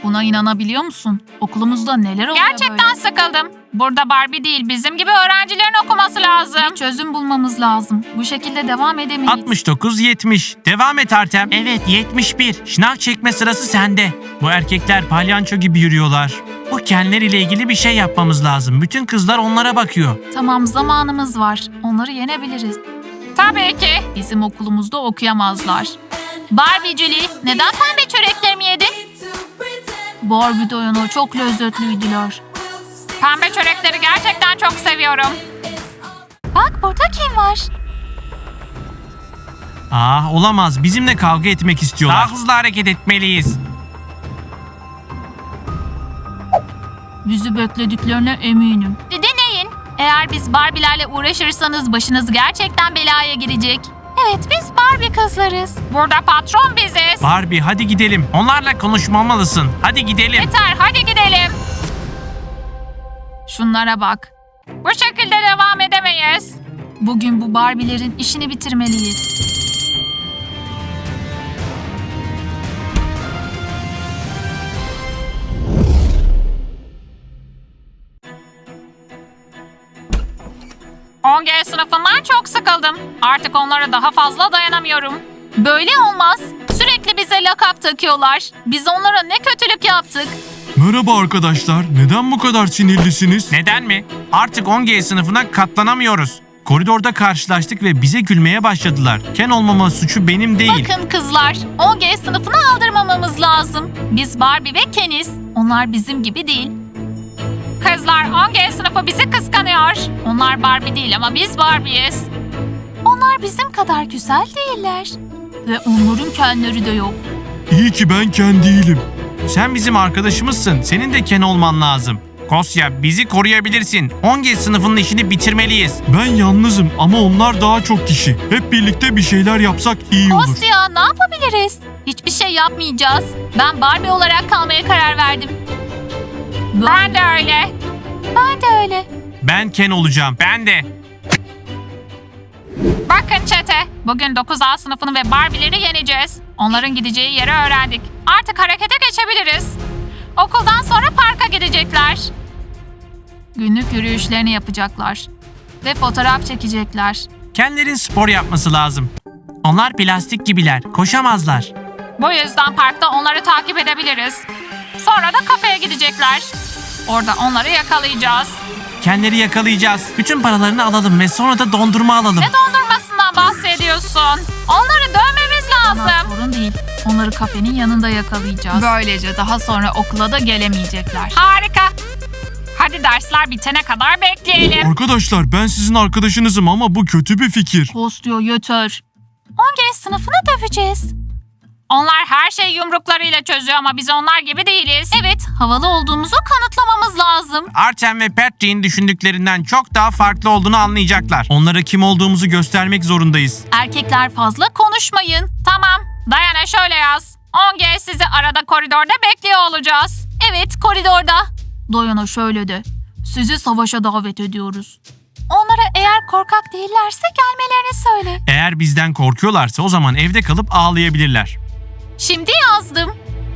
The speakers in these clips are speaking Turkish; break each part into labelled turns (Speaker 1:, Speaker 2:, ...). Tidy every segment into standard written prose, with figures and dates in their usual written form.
Speaker 1: Buna inanabiliyor musun? Okulumuzda neler oluyor
Speaker 2: Gerçekten sıkıldım. Burada Barbie değil, bizim gibi öğrencilerin okuması lazım.
Speaker 1: Bir çözüm bulmamız lazım. Bu şekilde devam edemeyiz.
Speaker 3: 69-70. Devam et Artem. Evet 71. Şınav çekme sırası sende. Bu erkekler palyanço gibi yürüyorlar. Bu Kenler ile ilgili bir şey yapmamız lazım. Bütün kızlar onlara bakıyor.
Speaker 1: Tamam, zamanımız var. Onları yenebiliriz.
Speaker 2: Tabii ki.
Speaker 1: Bizim okulumuzda okuyamazlar.
Speaker 2: Barbie Julie, neden pembe çöreklerimi yedin?
Speaker 1: Barbie doyunu çok lezzetliydiler.
Speaker 2: Pembe çörekleri gerçekten çok seviyorum.
Speaker 1: Bak, burada kim var?
Speaker 3: Olamaz. Bizimle kavga etmek istiyorlar. Daha hızlı hareket etmeliyiz.
Speaker 1: Bizi beklediklerine eminim.
Speaker 2: Deneyin. Eğer biz Barbie'lerle uğraşırsanız başınız gerçekten belaya girecek.
Speaker 1: Evet, biz Barbie kızlarız.
Speaker 2: Burada patron biziz.
Speaker 3: Barbie hadi gidelim. Onlarla konuşmamalısın. Hadi gidelim.
Speaker 2: Yeter, hadi gidelim.
Speaker 1: Şunlara bak.
Speaker 2: Bu şekilde devam edemeyiz.
Speaker 1: Bugün bu Barbie'lerin işini bitirmeliyiz.
Speaker 2: G sınıfından çok sıkıldım. Artık onlara daha fazla dayanamıyorum.
Speaker 1: Böyle olmaz. Sürekli bize lakap takıyorlar. Biz onlara ne kötülük yaptık.
Speaker 4: Merhaba arkadaşlar. Neden bu kadar sinirlisiniz?
Speaker 3: Neden mi? Artık 10G sınıfına katlanamıyoruz. Koridorda karşılaştık ve bize gülmeye başladılar. Ken olmama suçu benim değil.
Speaker 1: Bakın kızlar, 10G sınıfına aldırmamamız lazım. Biz Barbie ve Ken'iz. Onlar bizim gibi değil.
Speaker 2: Kızlar, 10G sınıfı bizi kıskanıyor. Onlar Barbie değil ama biz Barbie'yiz.
Speaker 1: Onlar bizim kadar güzel değiller. Ve onların Ken'leri de yok.
Speaker 4: İyi ki ben Ken değilim.
Speaker 3: Sen bizim arkadaşımızsın. Senin de Ken olman lazım. Kosya bizi koruyabilirsin. 10G sınıfının işini bitirmeliyiz.
Speaker 4: Ben yalnızım ama onlar daha çok kişi. Hep birlikte bir şeyler yapsak iyi olur.
Speaker 1: Kostya, ne yapabiliriz? Hiçbir şey yapmayacağız. Ben Barbie olarak kalmaya karar verdim.
Speaker 2: Ben de öyle.
Speaker 1: Ben de öyle.
Speaker 3: Ben Ken olacağım. Ben de.
Speaker 2: Bakın çete, bugün 9A sınıfını ve Barbie'leri yeneceğiz. Onların gideceği yeri öğrendik. Artık harekete geçebiliriz. Okuldan sonra parka gidecekler.
Speaker 1: Günlük yürüyüşlerini yapacaklar. Ve fotoğraf çekecekler.
Speaker 3: Kenlerin spor yapması lazım. Onlar plastik gibiler. Koşamazlar.
Speaker 2: Bu yüzden parkta onları takip edebiliriz. Sonra da kafeye gidecekler. Orada onları yakalayacağız.
Speaker 3: Kenleri yakalayacağız. Bütün paralarını alalım ve sonra da dondurma alalım.
Speaker 2: Ne dondurmasından bahsediyorsun? Onları dövmemiz
Speaker 1: Ama
Speaker 2: lazım.
Speaker 1: sorun değil. Onları kafenin yanında yakalayacağız. Böylece daha sonra okula da gelemeyecekler.
Speaker 2: Harika. Hadi dersler bitene kadar bekleyelim.
Speaker 4: Arkadaşlar ben sizin arkadaşınızım ama bu kötü bir fikir.
Speaker 1: Kostya, yeter. 10G sınıfını döveceğiz.
Speaker 2: Onlar her şeyi yumruklarıyla çözüyor ama biz onlar gibi değiliz.
Speaker 1: Evet, havalı olduğumuzu kanıtlamamız lazım.
Speaker 3: Artem ve Patrick'in düşündüklerinden çok daha farklı olduğunu anlayacaklar. Onlara kim olduğumuzu göstermek zorundayız.
Speaker 1: Erkekler fazla konuşmayın.
Speaker 2: Tamam. Dayana şöyle yaz. 10G sizi arada koridorda bekliyor olacağız.
Speaker 1: Evet, koridorda. Dayana şöyle de. Sizi savaşa davet ediyoruz. Onlara eğer korkak değillerse gelmelerini söyle.
Speaker 3: Eğer bizden korkuyorlarsa o zaman evde kalıp ağlayabilirler.
Speaker 1: Şimdi yazdım.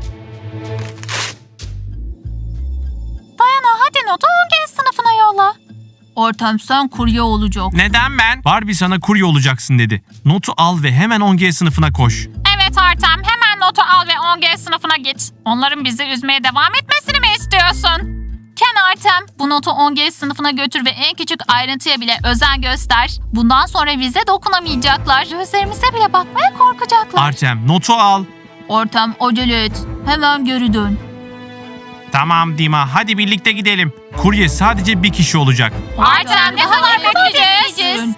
Speaker 1: Dayana, hadi notu 10G sınıfına yolla. Artem, sen kurye olacak.
Speaker 3: Neden ben? Barbie sana kurye olacaksın dedi. Notu al ve hemen 10G sınıfına koş.
Speaker 2: Evet Artem, hemen notu al ve 10G sınıfına git. Onların bizi üzmeye devam etmesini mi istiyorsun?
Speaker 1: Ken, Artem, bu notu 10G sınıfına götür ve en küçük ayrıntıya bile özen göster. Bundan sonra bize dokunamayacaklar. Gözlerimize bile bakmaya korkacaklar.
Speaker 3: Artem notu al.
Speaker 1: Artem, acele et. Hemen geri dön.
Speaker 3: Tamam Dima hadi birlikte gidelim. Kurye sadece bir kişi olacak.
Speaker 2: Artem, ne kadar bekleyeceğiz?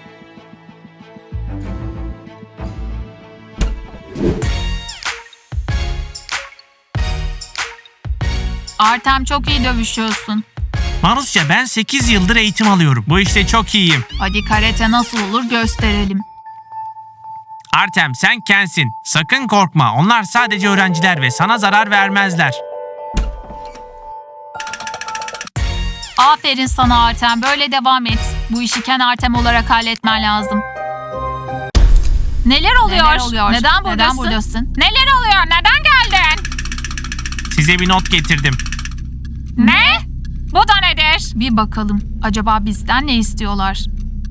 Speaker 1: Artem, çok iyi dövüşüyorsun.
Speaker 3: Marusya ben 8 yıldır eğitim alıyorum. Bu işte çok iyiyim.
Speaker 1: Hadi karate nasıl olur gösterelim.
Speaker 3: Artem sen Ken'sin. Sakın korkma. Onlar sadece öğrenciler ve sana zarar vermezler.
Speaker 1: Aferin sana Artem, böyle devam et. Bu işi Ken Artem olarak halletmen lazım.
Speaker 2: Neler oluyor?
Speaker 1: Neden buradasın?
Speaker 2: Neler oluyor? Neden geldin?
Speaker 3: Size bir not getirdim.
Speaker 2: Ne? Bu da nedir?
Speaker 1: Bir bakalım. Acaba bizden ne istiyorlar?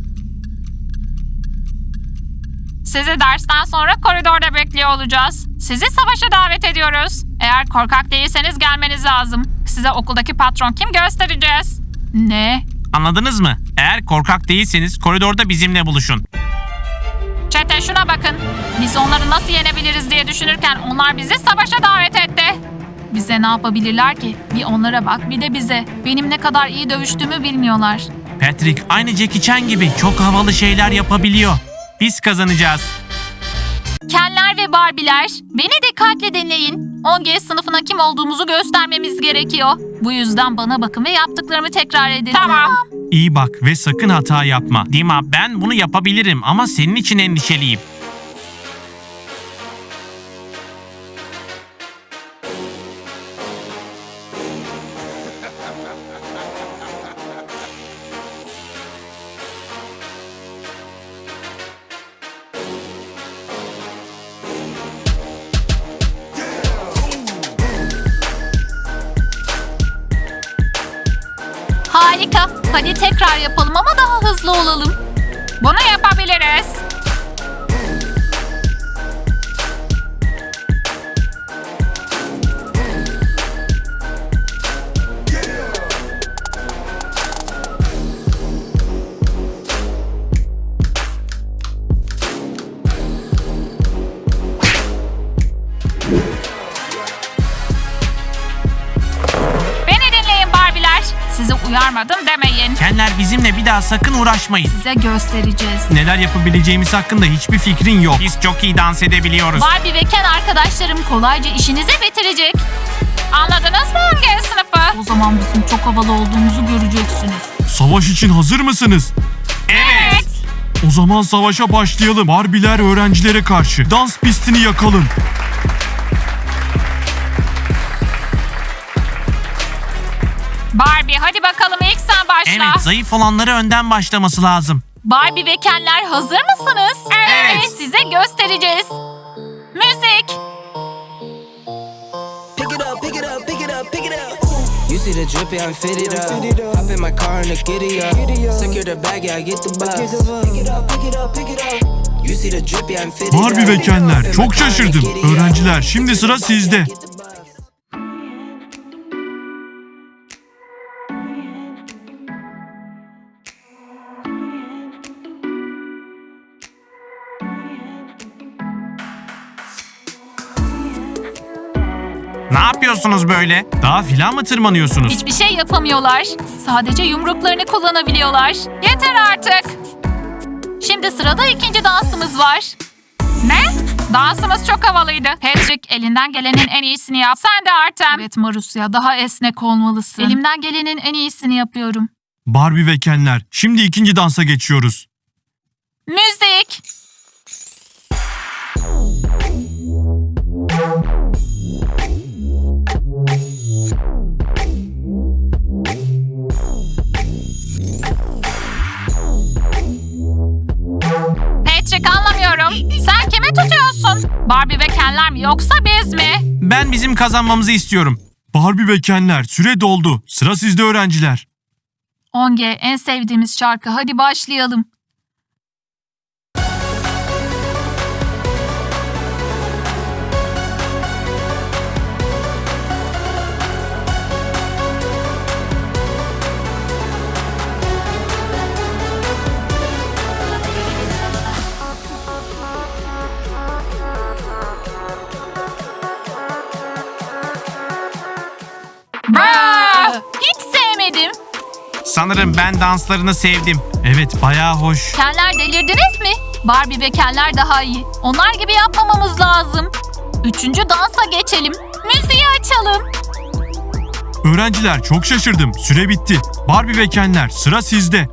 Speaker 2: Sizi dersten sonra koridorda bekliyor olacağız. Sizi savaşa davet ediyoruz. Eğer korkak değilseniz gelmeniz lazım. Size okuldaki patron kim göstereceğiz.
Speaker 1: Ne?
Speaker 3: Anladınız mı? Eğer korkak değilseniz koridorda bizimle buluşun.
Speaker 2: Çete şuna bakın. Biz onları nasıl yenebiliriz diye düşünürken onlar bizi savaşa davet etti.
Speaker 1: Bize ne yapabilirler ki? Bir onlara bak, bir de bize. Benim ne kadar iyi dövüştüğümü bilmiyorlar.
Speaker 3: Patrick aynı Jackie Chan gibi çok havalı şeyler yapabiliyor. Biz kazanacağız.
Speaker 1: Kenler ve Barbie'ler, beni dikkatle dinleyin. 10G sınıfına kim olduğumuzu göstermemiz gerekiyor. Bu yüzden bana bakın ve yaptıklarımı tekrar edin.
Speaker 2: Tamam.
Speaker 3: İyi bak ve sakın hata yapma. Dima, ben bunu yapabilirim ama senin için endişeliyim.
Speaker 1: Harika. Hadi tekrar yapalım ama daha hızlı olalım.
Speaker 2: Bunu yapabiliriz. Beni dinleyin Barbie'ler. Sizi uyarmadım demeyin.
Speaker 3: Kenler bizimle bir daha sakın uğraşmayın.
Speaker 1: Size göstereceğiz.
Speaker 3: Neler yapabileceğimiz hakkında hiçbir fikrin yok. Biz çok iyi dans edebiliyoruz.
Speaker 1: Barbie ve Ken arkadaşlarım kolayca işinizi bitirecek.
Speaker 2: Anladınız mı 10G sınıfı?
Speaker 1: O zaman bizim çok havalı olduğumuzu göreceksiniz.
Speaker 4: Savaş için hazır mısınız?
Speaker 3: Evet.
Speaker 4: O zaman savaşa başlayalım. Barbie'ler öğrencilere karşı. Dans pistini yakalım.
Speaker 2: Barbie hadi bakalım ilk sen başla.
Speaker 3: Evet, zayıf olanları önden başlaması lazım.
Speaker 1: Barbie ve Kenler hazır mısınız?
Speaker 2: Evet.
Speaker 1: Size göstereceğiz.
Speaker 2: Müzik.
Speaker 5: Pick it up, pick it up, pick it up, pick it up. You see the drippy, I'm fitted up. Hop in my car and the giddy up. Secure the bag, yeah, I get the bus. Pick it up, pick it up, pick it up. You see the drippy, I'm fitted up.
Speaker 4: Barbie ve Kenler, çok şaşırdım. Öğrenciler, şimdi sıra sizde.
Speaker 3: Ne yapıyorsunuz böyle? Daha filan mı tırmanıyorsunuz?
Speaker 1: Hiçbir şey yapamıyorlar. Sadece yumruklarını kullanabiliyorlar.
Speaker 2: Yeter artık.
Speaker 1: Şimdi sırada ikinci dansımız var.
Speaker 2: Ne? Dansımız çok havalıydı. Patrick elinden gelenin en iyisini yap. Sen de Artem.
Speaker 1: Evet Marusya, daha esnek olmalısın. Elimden gelenin en iyisini yapıyorum.
Speaker 4: Barbie ve Kenler, şimdi ikinci dansa geçiyoruz.
Speaker 1: Müzik.
Speaker 2: Patrick anlamıyorum. Sen kimi tutuyorsun? Barbie ve Kenler mi yoksa biz mi?
Speaker 3: Ben bizim kazanmamızı istiyorum.
Speaker 4: Barbie ve Kenler, süre doldu. Sıra sizde öğrenciler.
Speaker 1: 10G en sevdiğimiz şarkı. Hadi başlayalım.
Speaker 2: Bravo.
Speaker 1: Hiç sevmedim.
Speaker 3: Sanırım ben danslarını sevdim. Evet, bayağı hoş.
Speaker 1: Kenler delirdiniz mi? Barbie ve Kenler daha iyi. Onlar gibi yapmamamız lazım. Üçüncü dansa geçelim. Müziği açalım.
Speaker 4: Öğrenciler, çok şaşırdım. Süre bitti. Barbie ve Kenler, sıra sizde.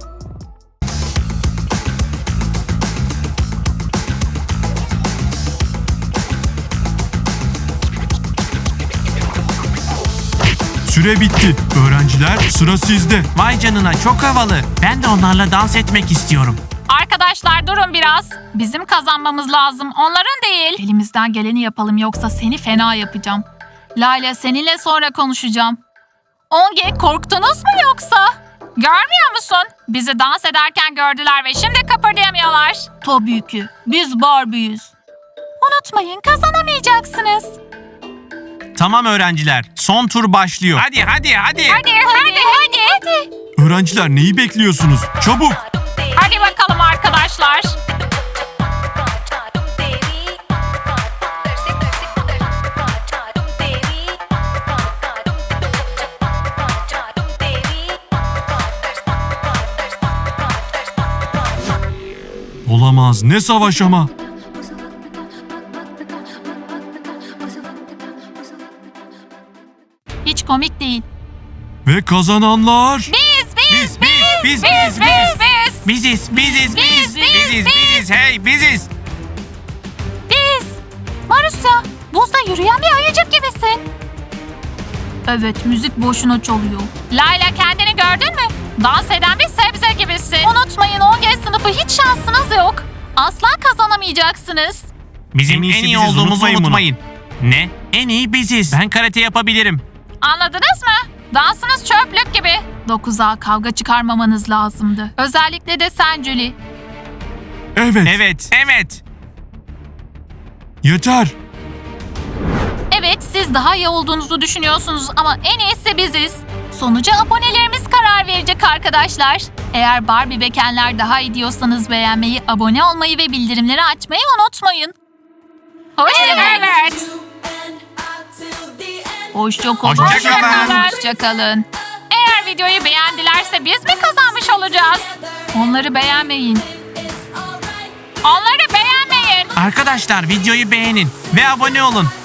Speaker 4: Süre bitti. Öğrenciler, sıra sizde.
Speaker 3: Vay canına, çok havalı. Ben de onlarla dans etmek istiyorum.
Speaker 2: Arkadaşlar durun biraz. Bizim kazanmamız lazım. Onların değil.
Speaker 1: Elimizden geleni yapalım yoksa seni fena yapacağım. Layla seninle sonra konuşacağım. Onge korktunuz mu yoksa?
Speaker 2: Görmüyor musun? Bizi dans ederken gördüler ve şimdi kıpırdayamıyorlar.
Speaker 1: Tabii ki. Biz Barbie'yiz. Unutmayın kazanamayacaksınız.
Speaker 3: Tamam öğrenciler, son tur başlıyor. Hadi.
Speaker 2: Hadi.
Speaker 4: Öğrenciler neyi bekliyorsunuz? Çabuk!
Speaker 2: Hadi bakalım arkadaşlar.
Speaker 4: Olamaz, ne savaş ama.
Speaker 1: Hiç komik değil.
Speaker 4: Ve kazananlar...
Speaker 3: Biziz. Hey biziz.
Speaker 1: Biz. Marusya, buzda yürüyen bir ayıcık gibisin. Evet, müzik boşuna çalıyor.
Speaker 2: Layla kendini gördün mü? Dans eden bir sebze gibisin.
Speaker 1: Unutmayın 10G sınıfı hiç şansınız yok. Asla kazanamayacaksınız.
Speaker 3: Bizim en iyi
Speaker 4: biziz,
Speaker 3: olduğumuzu
Speaker 4: unutmayın bunu.
Speaker 3: unutmayın. Ne? En iyi biziz. Ben karate yapabilirim.
Speaker 2: Anladınız mı? Dansınız çöplük gibi.
Speaker 1: 9'a kavga çıkarmamanız lazımdı. Özellikle de sen Julie.
Speaker 4: Evet,
Speaker 3: Evet.
Speaker 4: yeter.
Speaker 1: Evet, siz daha iyi olduğunuzu düşünüyorsunuz ama en iyisi biziz. Sonuca abonelerimiz karar verecek arkadaşlar. Eğer Barbie ve Ken'ler daha iyi diyorsanız beğenmeyi, abone olmayı ve bildirimleri açmayı unutmayın.
Speaker 2: Evet.
Speaker 1: Hoşçakalın.
Speaker 3: Hoşçakalın.
Speaker 1: Hoşçakalın.
Speaker 2: Eğer videoyu beğendilerse biz mi kazanmış olacağız?
Speaker 1: Onları beğenmeyin.
Speaker 2: Onları beğenmeyin.
Speaker 3: Arkadaşlar videoyu beğenin ve abone olun.